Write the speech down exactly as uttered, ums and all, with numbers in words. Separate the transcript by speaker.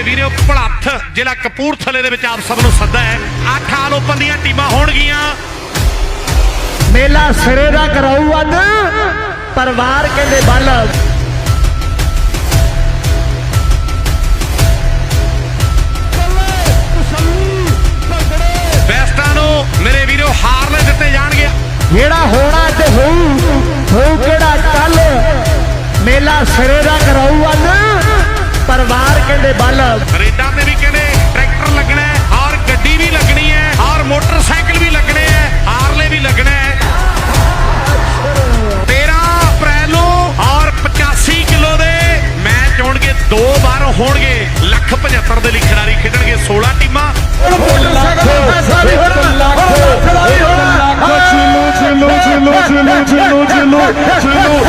Speaker 1: ਵੀਰੋ ਭਲੱਥ ਜ਼ਿਲ੍ਹਾ ਕਪੂਰਥਲੇ ਦੇ ਵਿੱਚ ਆਪ ਸਭ ਨੂੰ ਸੱਦਾ ਹੈ। ਅੱਠ ਆਲ ਓਪਨ ਦੀਆਂ ਟੀਮਾਂ ਹੋਣਗੀਆਂ।
Speaker 2: ਮੇਲਾ ਸਿਰੇ ਦਾ ਕਰਾਊ ਅੱਜ ਪਰਿਵਾਰ ਕਹਿੰਦੇ ਬੱਲ
Speaker 1: ਬੈਸਟਾਂ ਨੂੰ ਮੇਰੇ ਵੀਰੋ ਹਾਰਲੇ ਦਿੱਤੇ ਜਾਣਗੇ।
Speaker 2: ਜਿਹੜਾ ਹੋਣਾ ਤੇ ਹੋਊ ਹੋਊ ਕਿਹੜਾ ਕੱਲ ਮੇਲਾ ਸਿਰੇ ਦਾ ਕਰਾਊ ਅੱਜ ਪਰਿਵਾਰ ਕਹਿੰਦੇ ਬੱਲ
Speaker 1: ਰੇਡਾਂ ਤੇ ਵੀ ਕਹਿੰਦੇ ਟਰੈਕਟਰ ਲੱਗਣਾ ਹੈ ਔਰ ਗੱਡੀ ਵੀ ਲੱਗਣੀ ਹੈ ਔਰ ਮੋਟਰਸਾਈਕਲ ਵੀ ਲੱਗਣੇ ਹੈ ਹਾਰਲੇ ਵੀ ਲੱਗਣਾ ਹੈ। ਤੇਰਾਂ ਅਪ੍ਰੈਲ ਨੂੰ ਔਰ ਪਚਾਸੀ ਕਿਲੋ ਦੇ ਮੈਚ ਹੋਣਗੇ। ਦੋ ਵਾਰ ਹੋਣਗੇ। ਲੱਖ ਪਝੱਤਰ ਦੇ ਲਈ ਖਿਡਾਰੀ ਖੇਡਣਗੇ। ਸੋਲਾਂ ਟੀਮਾਂ
Speaker 3: Chilo, chilo, chilo, chilo, chilo, chilo, chilo, chilo.